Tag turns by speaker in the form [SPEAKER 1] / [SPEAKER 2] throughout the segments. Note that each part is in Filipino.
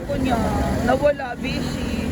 [SPEAKER 1] ko niya. Nawala, busy.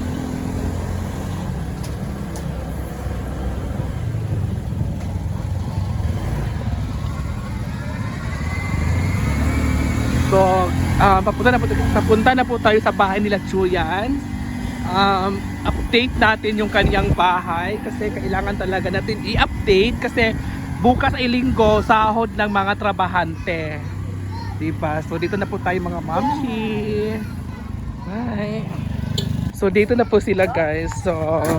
[SPEAKER 1] So, papunta na po tayo sa bahay nila Chuyan. Update natin yung kanyang bahay kasi kailangan talaga natin i-update kasi bukas ay linggo, sahod ng mga trabahante. Diba? So dito na po tayo mga mamshi. Bye. So dito na po sila guys. So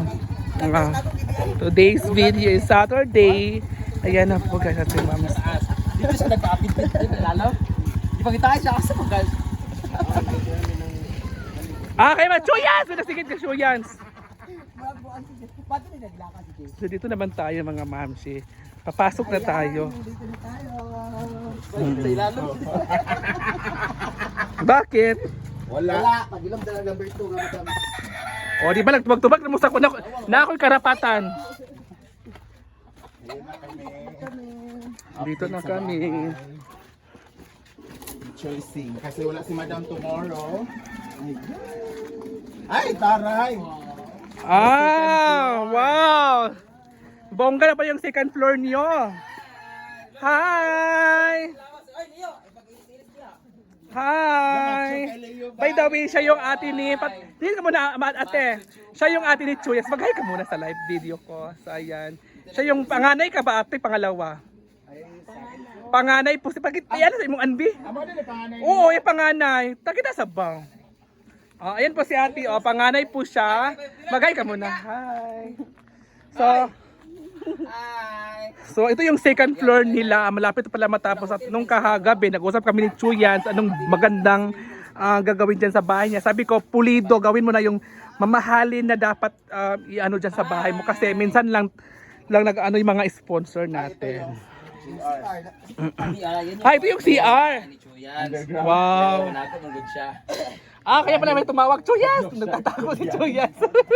[SPEAKER 1] today's video is Saturday. Ayan na po guys at si mami.
[SPEAKER 2] Dito siya nagpa-update dito lalo. Di pa kita siya kasi po guys.
[SPEAKER 1] Kay Machuyans! Nasigit ka Chuyans!
[SPEAKER 2] Paano rin naglakad si Jay?
[SPEAKER 1] So dito naman tayo mga mamshi. Papasok na tayo.
[SPEAKER 2] Dito na tayo. Sa ilalo.
[SPEAKER 1] Bakit?
[SPEAKER 2] Wala. Pag-ilom talaga number 2 nga madam.
[SPEAKER 1] O di ba nagtubag-tubag na mo sa na ako'y karapatan. Dito na kami.
[SPEAKER 3] Choosing kasi wala si Madam tomorrow. Ay, taray!
[SPEAKER 1] Wow! Bongga na pa yung second floor niyo. Hi! Hi! By the way, siya yung ate ni... Tingin ka muna, ate. Siya yung ate ni Chuyas. Mag-hi ka muna sa live video ko. So, ayan. Siya yung panganay ka ba, ate? Pangalawa? Panganay po. Ayan sa imong anbi? Oo, yung panganay. Takita sa bang. Ayan po si ate. Panganay po siya. Mag-hi ka muna. Hi! So ito yung second floor nila. Malapit pala matapos at nung kahagabi nag-usap kami ni Chuyans anong magandang gagawin dyan sa bahay niya. Sabi ko, pulido, gawin mo na yung mamahalin na dapat i-ano dyan sa bahay mo kasi minsan lang nag-ano yung mga sponsor natin. Ito yung CR. Wow. Kaya pala may tumawag, Chuyans. Nagtatakot si Chuyans.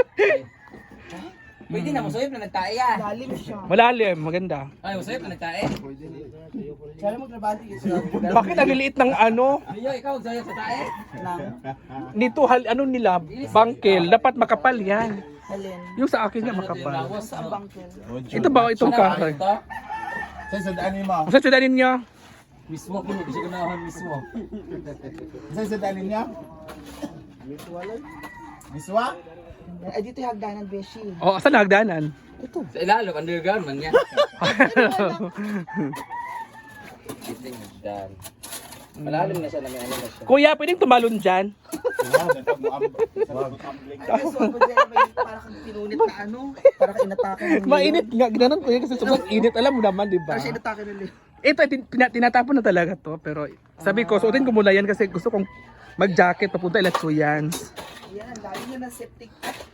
[SPEAKER 2] Pwede na, masayip na nagtae yan. Lalim siya.
[SPEAKER 1] Malalim, maganda.
[SPEAKER 2] Ay, masayip na nagtae. Sana magtrabaho ito.
[SPEAKER 1] Bakit ang liliit ng ano?
[SPEAKER 2] Iyo, ikaw, masayip sa tae?
[SPEAKER 1] Nito ano nila, bangkel, dapat makapal yan. Yung sa akin nga makapal. Ito ba itong kahoy?
[SPEAKER 3] Sa daanin mo.
[SPEAKER 1] Sa sudanin niya?
[SPEAKER 2] Mismo, hindi siya ganahan mismo.
[SPEAKER 3] Sa daanin niya? Miswa?
[SPEAKER 4] Ay, dito yung hagdanan, Beshi.
[SPEAKER 1] Saan na hagdanan?
[SPEAKER 2] Sa ilalo, underground man yan. Dito yung hagdan. Malalim na siya na may ano na siya.
[SPEAKER 1] Kuya, pwedeng tumalon dyan?
[SPEAKER 4] Para kang pinunit na ano, para kang inatake ng
[SPEAKER 1] Mainit nga, ginanon ko yun kasi sobrang init. Alam mo naman, di ba?
[SPEAKER 4] Para siya inatake ng liyo.
[SPEAKER 1] Ito, tinatapon na talaga to. Pero sabi ko, suotin ko muna yan kasi gusto kong mag-jacket papunta ila Chuyans.
[SPEAKER 4] Yan, dahil niya ng septic.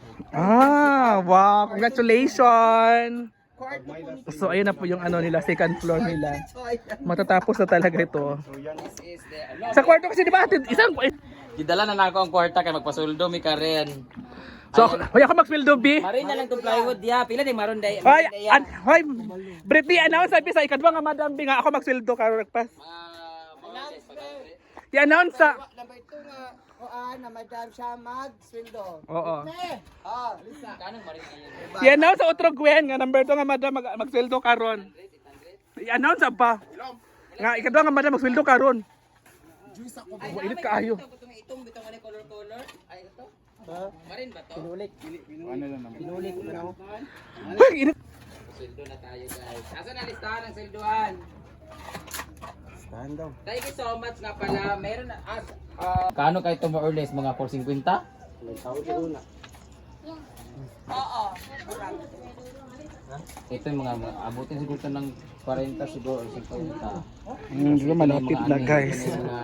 [SPEAKER 1] Wow, congratulations!
[SPEAKER 4] Kwarto po nito.
[SPEAKER 1] So ayun na po yung ano nila, second floor nila. Matatapos na talaga ito. Sa kwarto kasi di ba isang...
[SPEAKER 2] Gidala na ako ang kwarta kay magpasuldo mi Karen.
[SPEAKER 1] So hoy ako mag-sweldo B.
[SPEAKER 2] Marin na lang tong plywood ya. Pila ni maron day.
[SPEAKER 1] Hoy, briefly announce sabi sa ikadwa nga Madam B nga ako mag-sweldo karon nagpas. I-announce sa
[SPEAKER 4] Number 2 nga, na madam siya mag-sweldo.
[SPEAKER 1] Oo.
[SPEAKER 4] Lisa.
[SPEAKER 2] Kanang marin na yan.
[SPEAKER 1] I-announce sa Utro Gwen nga number 2 nga Madam mag-sweldo karon. I-announce pa. Nga ikadwa nga Madam mag-sweldo karon. Init kaayo.
[SPEAKER 2] Itong bitong ano color. Ay ito. Marin ba to?
[SPEAKER 3] Ano lang naman.
[SPEAKER 4] Pinulit ko na ako.
[SPEAKER 1] Hoy, init.
[SPEAKER 2] Sweldo na tayo guys. Asan na listahan ng sweldohan?
[SPEAKER 4] Stand daw.
[SPEAKER 2] Thank you so much nga pala. Meron na Kano kayo ito more or less? Mga 450?
[SPEAKER 4] Oo.
[SPEAKER 2] Ito yung mga abutin siguro ito ng 40 siguro or 50.
[SPEAKER 1] Di ba malapit na guys.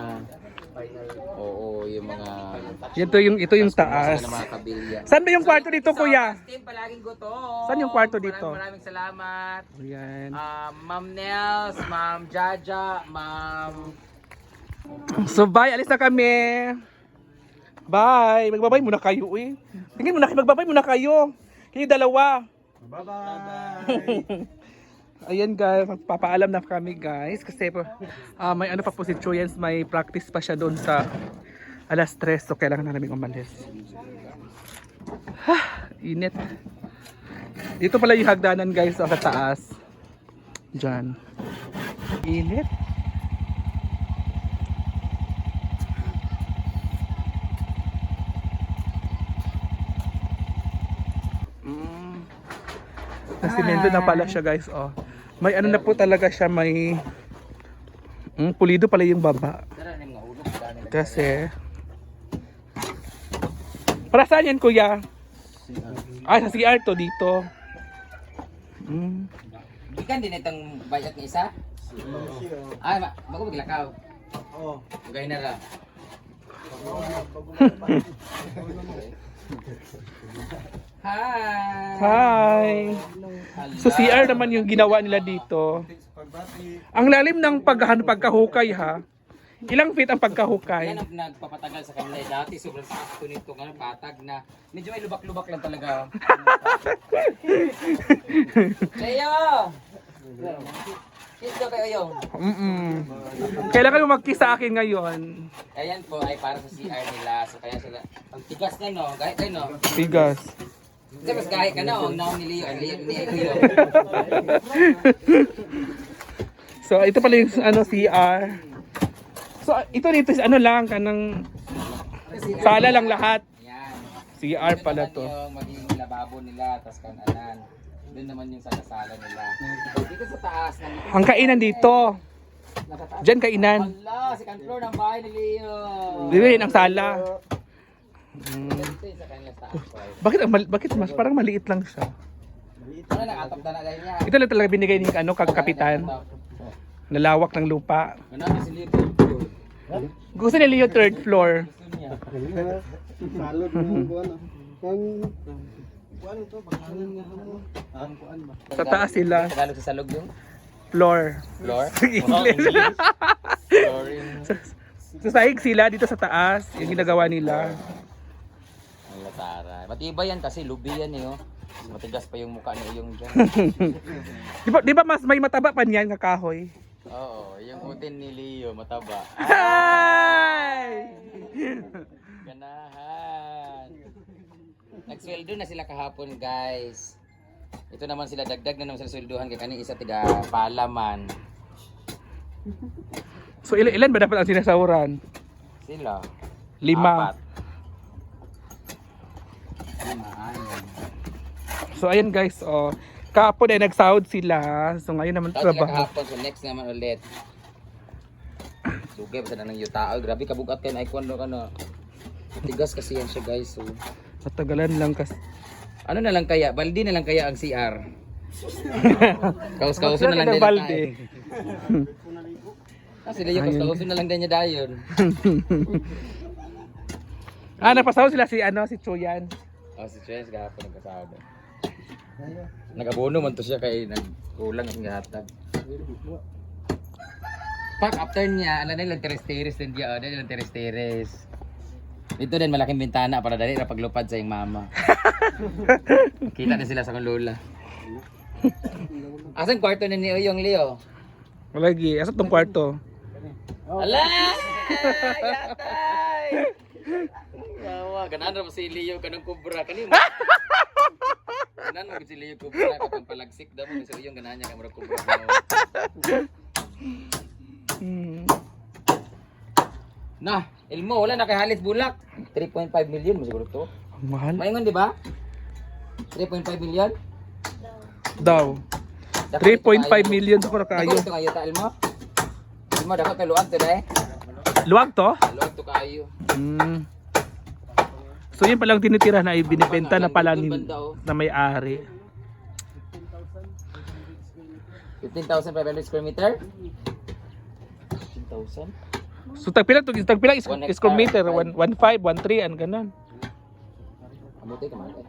[SPEAKER 2] Oo, yung mga
[SPEAKER 1] Ito yung taas.
[SPEAKER 2] ng mga kabilya.
[SPEAKER 1] Saan ba yung kwarto dito, kuya?
[SPEAKER 2] Team, palaging gutom.
[SPEAKER 1] Saan yung kwarto dito?
[SPEAKER 2] Maraming salamat.
[SPEAKER 1] Ayan.
[SPEAKER 2] Ma'am Nels, Ma'am Jaja, Ma'am...
[SPEAKER 1] So bye, alis na kami. Bye. Magbabay muna kayo eh. Tingin muna kayo, magbabay muna kayo. Kayo dalawa.
[SPEAKER 3] Bye-bye!
[SPEAKER 1] Ayan guys, magpapaalam na kami guys. Kasi may ano pa po si Chuyans, may practice pa siya doon sa Alas 3, so kailangan na namin umalis. Init. Dito pala yung hagdanan guys, sa taas. Diyan. Init. Nasimento na pala siya guys, oh. May ano na po talaga siya, may pulido pala yung baba. Kasi para saan yan kuya? Ah, sa CR to dito.
[SPEAKER 2] Ikan din itong bayat ni isa? Ay, bago maglakaw.
[SPEAKER 3] Oo.
[SPEAKER 2] Gay na lang. Hi!
[SPEAKER 1] Hi! So CR naman yung ginawa nila dito. Ang lalim ng pagkahukay ha. Ilang feet ang pagkahukay?
[SPEAKER 2] Yan ang nagpapatagal sa kanila. Dati sobrang sakto nito, ngayon patag na. Medyo may lubak-lubak lang talaga. Leo! Kiss daw kayo yung.
[SPEAKER 1] Kailangan mo mag-kiss sa akin ngayon.
[SPEAKER 2] Ayan po ay para sa CR nila. So kaya sila, ang tigas na no, kahit kayo no.
[SPEAKER 1] Tigas.
[SPEAKER 2] Kasi mas kahit ka na, ang naon ni Leo, ang Leo.
[SPEAKER 1] So ito pala yung ano CR. So ito dito is ano lang kanang sala lang lahat.
[SPEAKER 2] Yan.
[SPEAKER 1] CR pala to.
[SPEAKER 2] Yung magiging lababo nila, tas kananan. Doon naman yung salasala nila. Dito sa taas.
[SPEAKER 1] Ang kainan dito. Diyan kainan.
[SPEAKER 2] Hala, second floor ng bahay ni Leo.
[SPEAKER 1] Dito rin ang sala.
[SPEAKER 2] Ito yung sa kanya taas.
[SPEAKER 1] Bakit mas parang maliit lang siya.
[SPEAKER 2] Ano nakatap na gaya niya?
[SPEAKER 1] Ito lang talaga binigay ni ano kapitan. Nalawak ng lupa.
[SPEAKER 2] Ganun si Leo.
[SPEAKER 1] Gusto ni Leo third floor.
[SPEAKER 2] Gusto niya.
[SPEAKER 3] Salod mo buwan.
[SPEAKER 1] Sa taas sila.
[SPEAKER 2] Tagalog sa salog yung
[SPEAKER 1] Floor.
[SPEAKER 2] floor.
[SPEAKER 1] English.
[SPEAKER 2] Flooring.
[SPEAKER 1] Sa sahig sila dito sa taas. Yung ginagawa nila.
[SPEAKER 2] Ang latara. Matibay yan kasi lubi yan eh. Oh. Matigas pa yung mukha ni Uyong dyan.
[SPEAKER 1] Di ba mas may mataba pa niyan kakahoy?
[SPEAKER 2] Oo, yung utin ni Leo mataba.
[SPEAKER 1] Hi!
[SPEAKER 2] Ganahan. Nagsweldo na sila kahapon guys. Ito naman sila dagdag na naman sila sweldohan kaya kaning isa tiga palaman.
[SPEAKER 1] So ilan ba dapat ang sinasahuran?
[SPEAKER 2] Sila.
[SPEAKER 1] 5.
[SPEAKER 2] 4. 5.
[SPEAKER 1] So ayan guys, oh. Kahapon ay nagsahod sila. So ngayon naman
[SPEAKER 2] Tapos sila
[SPEAKER 1] trabaho.
[SPEAKER 2] kahapon so next naman ulit. Sugay pa sa nang yutao. Grabe kabugat kayo na icon no kano. Tigas kasi yan siya guys. So.
[SPEAKER 1] Matagalan lang kasi.
[SPEAKER 2] Ano na lang kaya? Baldi na lang kaya ang CR. Kaus-kauso na lang din.
[SPEAKER 1] Balde.
[SPEAKER 2] Kasi Leo kaus-kauso na lang din niya dayon.
[SPEAKER 1] Napasahod sila si si Chuyan.
[SPEAKER 2] Oh, si Chess kahapon nagkasahod. Nag-abono man to siya kay nagkulang ang gahatag. Pag after niya, ala na lang teres-teres din diya, ala lang teres-teres. Dito din malaking bintana para dali ra paglupad sa iyong mama. Kita na sila sa kong lola. Asan kwarto na ni Uyong Leo?
[SPEAKER 1] Lagi, asa tong kwarto?
[SPEAKER 2] Ala! Yatay! Yawa, ganan ra mo si Leo kanang kubra kanimo. Ganan mo si Leo kubra katong palagsik daw mo si Uyong ganan niya kamura kubra. Nah, Elmo, wala na kay halit bulak. 3.5 million mo siguro to.
[SPEAKER 1] Ang mahal.
[SPEAKER 2] Maingon di ba? 3.5 million?
[SPEAKER 1] Daw. 3.5 million sa kayo.
[SPEAKER 2] Dako to kayo ta Elmo. Elmo dako kay luag to dai.
[SPEAKER 1] Luwag to?
[SPEAKER 2] Luag to kayo.
[SPEAKER 1] So yun palang tinitira na ibinibenta na pala na may-ari.
[SPEAKER 2] 15,500 square meter? 15,000?
[SPEAKER 1] So tagpila square meter, 1.5, 1.3 an ganon.
[SPEAKER 2] Amote ka man.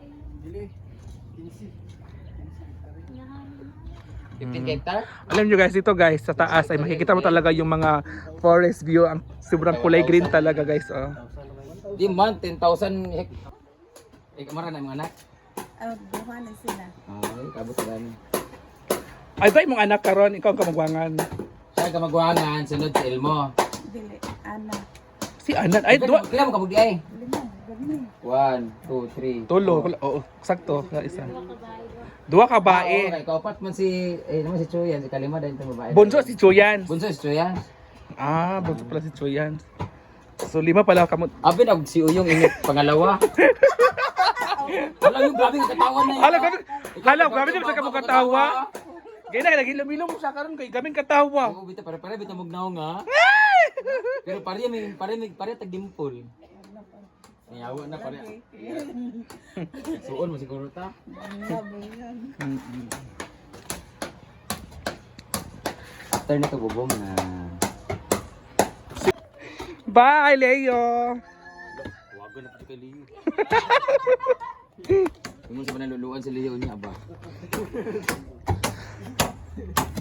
[SPEAKER 2] 15 hectare?
[SPEAKER 1] Alam nyo guys, ito guys, sa taas ay makikita mo talaga yung mga forest view. Ang sobrang kulay green talaga guys. Oh.
[SPEAKER 2] Di man, 10,000 hectare. Kamara na mga anak?
[SPEAKER 5] Buha na sila.
[SPEAKER 2] Ay, kabot sa gani.
[SPEAKER 1] Ay, tayo mong anak karon, ikaw ang kamagwangan.
[SPEAKER 2] Siya kamagwangan, sunod si Elmo.
[SPEAKER 5] Dili, anak.
[SPEAKER 1] Si Anan. Ay, dua.
[SPEAKER 2] Kailan mo kabugdi ay? 1, 2, 3.
[SPEAKER 1] Tulo. Oo, sakto. Isa. Dua ka bae.
[SPEAKER 2] Okay, kaupat man si, naman si Chuyan, si Kalima dahil itong babae.
[SPEAKER 1] Bonso si Chuyan.
[SPEAKER 2] Bunso si Chuyan.
[SPEAKER 1] Ah, bonso pala si Chuyan. So, 5 pala kamo.
[SPEAKER 2] Abi na si Uyong init pangalawa. Wala yung grabe yung katawan na yun.
[SPEAKER 1] Hala, grabe naman sa kamong katawa. Gaya na, nagilom-ilom mo siya karon kay gaming katawa.
[SPEAKER 2] Oo, bita pare bita magnaw nga. Pero pare tag dimple. Nayawa na pare. Suon mo siguro ta. After nito bubong na.
[SPEAKER 1] Bye, Leo.
[SPEAKER 2] Wago na pa kay Leo. Kung sa panaluluan si Leo niya ba?